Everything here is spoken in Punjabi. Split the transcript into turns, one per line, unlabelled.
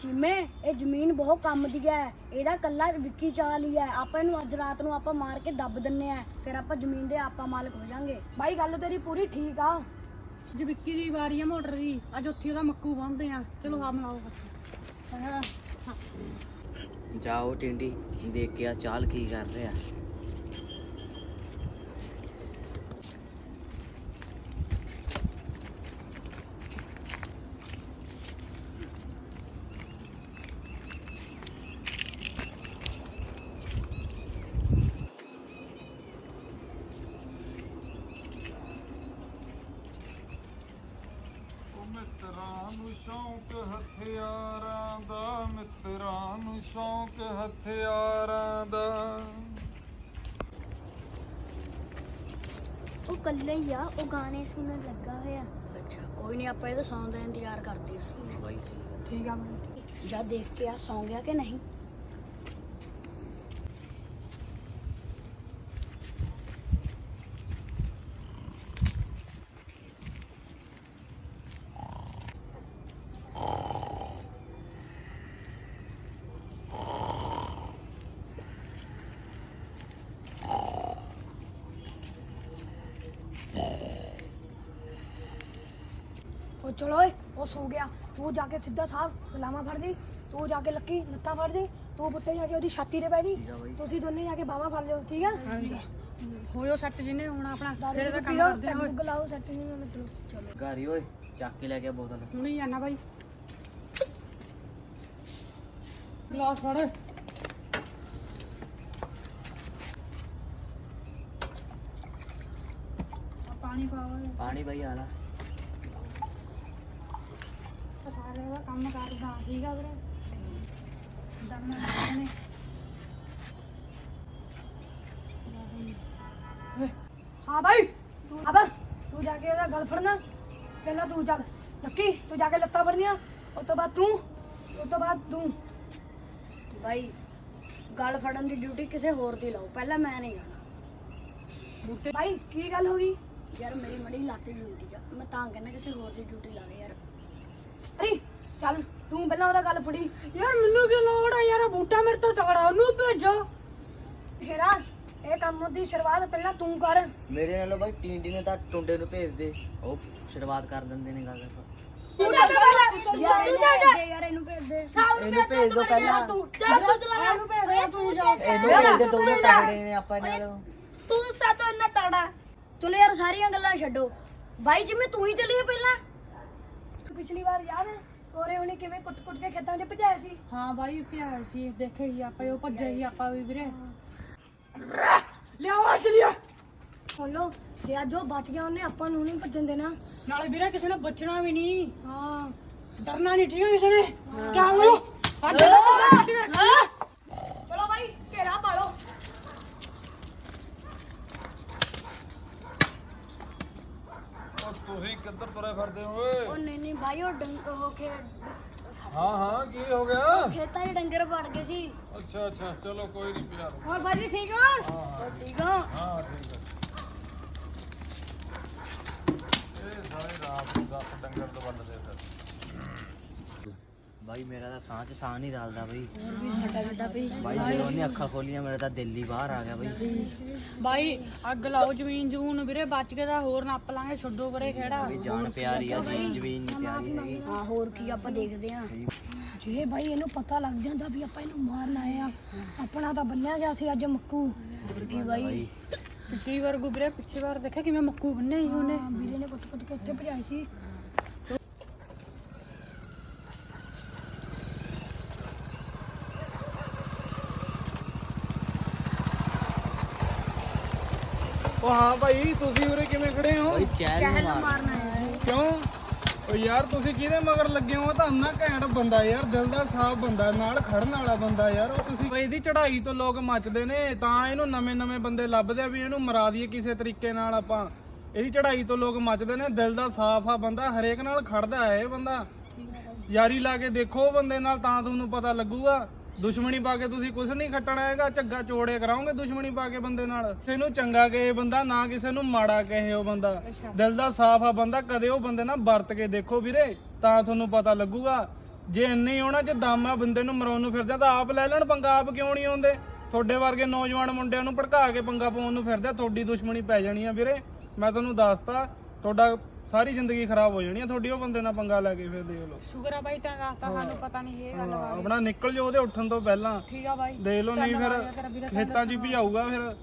ਚੀਮੇ ਇਹ ਜ਼ਮੀਨ ਬਹੁਤ ਕੰਮ ਦੀ ਹੈ, ਇਹਦਾ ਕੱਲਾ ਵਿੱਕੀ ਚਾਲ ਹੀ ਹੈ। ਆਪਾਂ ਇਹਨੂੰ ਅੱਜ ਰਾਤ ਨੂੰ ਆਪਾਂ ਮਾਰ ਕੇ ਦੱਬ ਦਿੰਨੇ ਆ, ਫਿਰ ਆਪਾਂ ਜ਼ਮੀਨ ਦੇ ਆਪਾਂ ਮਾਲਕ ਹੋ ਜਾਾਂਗੇ। ਬਾਈ ਗੱਲ ਤੇਰੀ ਪੂਰੀ ਠੀਕ ਆ।
ਜੇ ਵਿੱਕੀ ਦੀ ਵਾਰੀ ਆ ਮੋਟਰ ਦੀ, ਅੱਜ ਉੱਥੇ ਉਹਦਾ ਮੱਕੂ ਬੰਨਦੇ ਆ। ਚਲੋ ਆ ਬਣਾਓ।
ਜਾਓ ਟਿੰਡੀ ਦੇਖ ਕੇ ਆ ਚਾਲ ਕੀ ਕਰ ਰਿਹਾ।
ਮਿੱਤਰਾਂ ਨੂੰ ਸ਼ੌਂਕ ਹਥਿਆਰਾਂ ਦਾ, ਮਿੱਤਰਾਂ ਨੂੰ ਸ਼ੌਂਕ ਹਥਿਆਰਾਂ ਦਾ।
ਉਹ ਕੱਲੇ ਹੀ ਆ, ਉਹ ਗਾਣੇ ਸੁਣਨ ਲੱਗਾ ਹੋਇਆ। ਅੱਛਾ ਕੋਈ ਨਹੀਂ, ਆਪਾਂ ਇਹਦਾ ਸੌਣ ਦਾ ਇੰਤਜ਼ਾਰ ਕਰਦੇ ਆ।
ਬਾਈ
ਠੀਕ ਆ
ਜਾ ਦੇਖ ਕੇ ਆ ਸੌਂ ਗਿਆ ਕਿ ਨਹੀਂ। ਉਹ ਚਲੋ ਓਏ, ਉਹ ਸੋ ਗਿਆ। ਤੂੰ ਜਾ ਕੇ ਸਿੱਧਾ ਸਾਹਿਬ ਗੁਲਾਮਾਂ ਫੜ ਦੇ, ਤੂੰ ਜਾ ਕੇ ਲੱਕੀ ਲੱਤਾਂ ਫੜ ਦੇ, ਤੂੰ ਬੁੱਟੇ ਜਾ ਕੇ ਉਹਦੀ ਛਾਤੀ ਤੇ ਬਹਿ ਜੀ। ਤੁਸੀਂ ਦੋਨੇ ਜਾ ਕੇ ਬਾਹਾਂ ਫੜ ਲਿਓ, ਠੀਕ ਆ?
ਹੋਇਓ ਸੱਟ ਜਿਹਨੇ ਹੁਣ ਆਪਣਾ ਫਿਰ ਇਹਦਾ ਕੰਮ
ਪੀਓ,
ਕਰਦੇ ਆ।
ਪੈਗ ਲਾਓ ਸੱਟ ਨਹੀਂ ਮੈਂ ਚਲੋ
ਘਾਰੀ ਓਏ ਚੱਕ ਕੇ ਲੈ ਗਿਆ ਬੋਤਲ।
ਹੁਣ ਹੀ ਜਾਣਾ ਬਾਈ। ਗਲਾਸ ਫੜ। ਪਾਣੀ ਪਾਓ।
ਪਾਣੀ ਬਾਈ ਆਲਾ।
ਸਾਰੇ ਦਾ ਕੰਮ ਕਰਦਾ, ਠੀਕ ਆ ਵੀਰੇ। ਦਮ ਨੇ ਹਾਂ ਬਾਈ, ਅਬ ਤੂੰ ਜਾ ਕੇ ਉਹਦਾ ਗਲ ਫੜਨਾ। ਪਹਿਲਾਂ ਤੂੰ ਚੱਲ ਲੱਕੀ, ਤੂੰ ਜਾ ਕੇ ਲੱਤਾਂ ਫੜਨੀਆਂ, ਉਸ ਤੋਂ ਬਾਅਦ ਤੂੰ।
ਬਾਈ ਗੱਲ ਫੜਨ ਦੀ ਡਿਊਟੀ ਕਿਸੇ ਹੋਰ ਦੀ ਲਾਓ, ਪਹਿਲਾਂ ਮੈਂ ਨਹੀਂ ਜਾਣਾ।
ਬੂਟੇ
ਬਾਈ ਕੀ ਗੱਲ ਹੋ ਗਈ ਯਾਰ? ਮੇਰੀ ਮੜੀ ਲੱਤ ਜੁਲਦੀ ਆ, ਮੈਂ ਤਾਂ ਕਹਿੰਦਾ ਕਿਸੇ ਹੋਰ ਦੀ ਡਿਊਟੀ ਲਾ ਦੇ ਯਾਰ।
ਅਰੇ ਚੱਲ ਤੂੰ ਪਹਿਲਾਂ ਉਹਦਾ ਗੱਲ ਫੜੀ। ਯਾਰ ਮੈਨੂੰ ਕੀ ਲੋੜ ਆ ਯਾਰ, ਬੂਟਾ ਮੇਰੇ ਤੋਂ ਤਗੜਾ, ਉਹਨੂੰ ਭੇਜੋ। ਫੇਰਾ ਇਹ ਕੰਮ ਦੀ ਸ਼ੁਰੂਆਤ ਪਹਿਲਾਂ ਤੂੰ ਕਰ।
ਮੇਰੇ ਨਾਲੋਂ ਬਾਈ ਟਿੰਡੀ ਨੇ ਤਾਂ ਟੁੰਡੇ ਨੂੰ ਭੇਜ ਦੇ, ਉਹ ਸ਼ੁਰੂਆਤ ਕਰ ਦਿੰਦੇ ਨੇ ਗੱਲ।
ਯਾਰ ਇਹਨੂੰ ਭੇਜ ਦੇ।
ਇਹਨੂੰ ਭੇਜ ਦੋ ਪਹਿਲਾਂ।
ਇਹਨੂੰ ਭੇਜ ਦੇ, ਤੂੰ ਜਾ।
ਇਹਨੂੰ ਭੇਜ ਦੇ, ਦੋਨੇ ਤਗੜੇ ਨੇ ਆਪਾਂ ਨਾਲ।
ਤੂੰ ਸਾਤੋਂ ਇੰਨਾ ਤਗੜਾ। ਚਲੋ ਯਾਰ ਸਾਰੀਆਂ ਗੱਲਾਂ ਛੱਡੋ, ਬਾਈ ਜਿਵੇਂ ਤੂੰ ਹੀ ਚੱਲੀਏ ਪਹਿਲਾਂ। ਪਿਛਲੀ ਵਾਰ ਯਾਦ ਹੈ ਕੋਰੇ ਉਹਨੇ ਕਿਵੇਂ ਕੁੱਟ-ਕੁੱਟ ਕੇ ਖੇਤਾਂ 'ਚ ਭਜਾਇਆ ਸੀ?
ਹਾਂ ਬਾਈ ਪਿਆਰ ਸੀ, ਦੇਖੇ ਹੀ ਆਪਾਂ, ਉਹ ਭੱਜਿਆ ਹੀ ਆਪਾਂ ਵੀ ਵੀਰੇ। ਲਿਆਵਾ ਚਲੀਏ।
ਬੋਲੋ ਜੇ ਅੱਜ ਉਹ ਬਚ ਗਿਆ, ਉਹਨੇ ਆਪਾਂ ਨੂੰ ਨਹੀਂ ਭੱਜਣ ਦੇਣਾ।
ਨਾਲੇ ਵੀਰੇ ਕਿਸੇ ਨੇ ਬਚਣਾ ਵੀ ਨਹੀਂ,
ਹਾਂ
ਡਰਨਾ ਨਹੀਂ, ਠੀਕ ਹੈ ਕਿਸੇ ਨੇ। ਕਿਆ ਹੋਇਆ?
ਚਲੋ ਬਾਈ ਘੇਰਾ ਪਾਲੋ।
ਉਹ ਤੁਸੀਂ ਕਿੱਧਰ ਤੁਰੇ ਫਿਰਦੇ ਹੋ ਓਏ?
ਉਹ ਨਹੀਂ ਬਾਈ, ਉਹ ਡੰਗ ਹੋ ਕੇ
ਹਾਂ ਹਾਂ ਕੀ ਹੋ ਗਿਆ?
ਖੇਤਾਂ 'ਚ ਡੰਗਰ ਵੜ ਗਏ ਸੀ।
ਅੱਛਾ ਅੱਛਾ ਚਲੋ ਕੋਈ ਨਹੀਂ ਪਿਆ।
ਹੋਰ ਬਾਈ ਠੀਕ ਹੋ? ਠੀਕ ਹੋ?
ਹਾਂ ਠੀਕ ਹੈ। ਇਹ ਸਾਰੇ ਰਾਤ ਨੂੰ 10 ਡੰਗਰ ਤੋਂ ਵੱਢਦੇ ਫਿਰ।
ਬਾਈ ਮੇਰਾ ਤਾਂ ਸਾਹ ਚ ਸਾਹ ਨਹੀਂ ਰਲਦਾ ਬਾਈ।
ਸਾਡਾ ਵੀ
ਬਾਈ ਜਦੋਂ ਉਹਨੇ ਅੱਖਾਂ ਖੋਲੀਆਂ ਮੇਰਾ ਤਾਂ ਦਿਲ ਹੀ ਬਾਹਰ ਆ ਗਿਆ ਬਾਈ।
ਬਾਈ ਅੱਗ ਲਾਓ ਜ਼ਮੀਨ ਜੂਨ ਵੀਰੇ, ਬਚ ਕੇ ਤਾਂ ਹੋਰ ਨੱਪ ਲਾਂਗੇ, ਛੱਡੋ ਪਰੇ ਖੇੜਾ।
ਵੀ ਜਾਨ ਪਿਆਰੀ ਆ ਜੀ, ਜ਼ਮੀਨ ਨਹੀਂ ਪਿਆਰੀ ਹੈਗੀ।
ਹਾਂ ਹੋਰ ਕੀ ਆਪਾਂ ਦੇਖਦੇ ਆ। ਜੇ ਬਾਈ ਇਹਨੂੰ ਪਤਾ ਲੱਗ ਜਾਂਦਾ ਵੀ ਆਪਾਂ ਇਹਨੂੰ ਮਾਰਨ ਆਏ ਆ, ਆਪਣਾ ਤਾਂ ਬੰਨਿਆ ਗਿਆ ਸੀ ਅੱਜ ਮੱਕੂ। ਹੋਰ ਕੀ ਬਾਈ,
ਪਿਛਲੀ ਵਾਰ ਗੁਬਰੇ, ਪਿਛਲੀ ਵਾਰ ਦੇਖਿਆ ਕਿਵੇਂ ਮੱਕੂ ਬੰਨੇ ਸੀ ਉਹਨੇ।
ਵੀਰੇ ਨੇ ਕੁੱਟ-ਕੁੱਟ ਕੇ ਉੱਥੇ ਭਜਾਈ ਸੀ।
ਉਹ ਹਾਂ ਭਾਈ ਤੁਸੀਂ ਉਰੇ ਕਿਵੇਂ ਖੜੇ ਹੋ?
ਬਾਈ ਚੈਨ ਨੂੰ ਮਾਰ।
ਮਾਰਨ ਆਏ ਸੀ।
ਕਿਉਂ? ਉਹ ਯਾਰ ਤੁਸੀਂ ਕਿਹਦੇ ਮਗਰ ਲੱਗੇ ਹੋ? ਤਾਂ ਇੰਨਾ ਘੈਂਟ ਬੰਦਾ ਯਾਰ, ਦਿਲ ਦਾ ਸਾਫ਼ ਬੰਦਾ, ਨਾਲ ਖੜਨ ਵਾਲਾ ਬੰਦਾ ਯਾਰ। ਉਹ ਤੁਸੀਂ ਇਹਦੀ ਚੜ੍ਹਾਈ ਤੋਂ ਲੋਕ ਮੱਚਦੇ ਨੇ, ਤਾਂ ਇਹਨੂੰ ਨਵੇਂ-ਨਵੇਂ ਬੰਦੇ ਲੱਭਦੇ ਆ ਵੀ ਇਹਨੂੰ ਮਰਾ ਦਈਏ ਕਿਸੇ ਤਰੀਕੇ ਨਾਲ ਆਪਾਂ। ਇਹਦੀ ਚੜ੍ਹਾਈ ਤੋਂ ਲੋਕ ਮੱਚਦੇ ਨੇ, ਦਿਲ ਦਾ ਸਾਫ਼ ਆ ਬੰਦਾ, ਹਰੇਕ ਨਾਲ ਖੜਦਾ ਹੈ ਇਹ ਬੰਦਾ। ਯਾਰੀ ਲਾ ਕੇ ਦੇਖੋ ਬੰਦੇ ਨਾਲ, ਤਾਂ ਤੁਹਾਨੂੰ ਪਤਾ ਲੱਗੂਗਾ। ਦੁਸ਼ਮਣੀ ਪਾ ਕੇ ਤੁਸੀਂ ਕੁਝ ਨਹੀਂ ਖੱਟਣਾ ਹੈਗਾ, ਝੱਗਾ ਚੋੜੇ ਕਰਾਓਗੇ ਦੁਸ਼ਮਣੀ ਪਾ ਕੇ ਬੰਦੇ ਨਾਲ। ਕਿਸੇ ਨੂੰ ਚੰਗਾ ਕਹੇ ਬੰਦਾ, ਨਾ ਕਿਸੇ ਨੂੰ ਮਾੜਾ ਕਹੇ ਉਹ ਬੰਦਾ। ਦਿਲ ਦਾ ਸਾਫ਼ ਆ ਬੰਦਾ, ਕਦੇ ਉਹ ਬੰਦੇ ਨਾਲ ਵਰਤ ਕੇ ਦੇਖੋ ਵੀਰੇ, ਤਾਂ ਤੁਹਾਨੂੰ ਪਤਾ ਲੱਗੂਗਾ। ਜੇ ਇੰਨੇ ਹੀ ਉਹਨਾਂ 'ਚ ਦਮ ਆ ਬੰਦੇ ਨੂੰ ਮਰਾਉਣ ਨੂੰ ਫਿਰਦੇ ਆ ਤਾਂ ਆਪ ਲੈ ਲੈਣ ਪੰਗਾ। ਆਪ ਕਿਉਂ ਨਹੀਂ ਆਉਂਦੇ? ਤੁਹਾਡੇ ਵਰਗੇ ਨੌਜਵਾਨ ਮੁੰਡਿਆਂ ਨੂੰ ਭੜਕਾ ਕੇ ਪੰਗਾ ਪਾਉਣ ਨੂੰ ਫਿਰਦੇ ਆ। ਤੁਹਾਡੀ ਦੁਸ਼ਮਣੀ ਪੈ ਜਾਣੀ ਆ ਵੀਰੇ, ਮੈਂ ਤੁਹਾਨੂੰ ਦੱਸਤਾ। ਤੁਹਾਡਾ ਸਾਰੀ ਜ਼ਿੰਦਗੀ ਖਰਾਬ ਹੋ ਜਾਣੀ ਆ ਤੁਹਾਡੀ। ਉਹ ਬੰਦੇ ਨਾਲ ਪੰਗਾ ਲੈ ਕੇ ਫਿਰ ਦੇਖ ਲਓ।
ਸ਼ੁਕਰ ਆ ਬਾਈ ਤਾਂ ਦੱਸਤਾ, ਸਾਨੂੰ ਪਤਾ ਨਹੀਂ ਇਹ ਗੱਲ।
ਆਪਣਾ ਨਿਕਲ ਜਾਓ ਉਹਦੇ ਉੱਠਣ ਤੋਂ ਪਹਿਲਾਂ।
ਠੀਕ ਆ ਬਾਈ,
ਦੇਖ ਲਓ, ਨਹੀਂ
ਧੰਨਵਾਦ ਆ ਤੇਰਾ ਵੀਰੇ,
ਫਿਰ ਖੇਤਾਂ 'ਚ ਹੀ ਭਜਾਊਗਾ ਫਿਰ।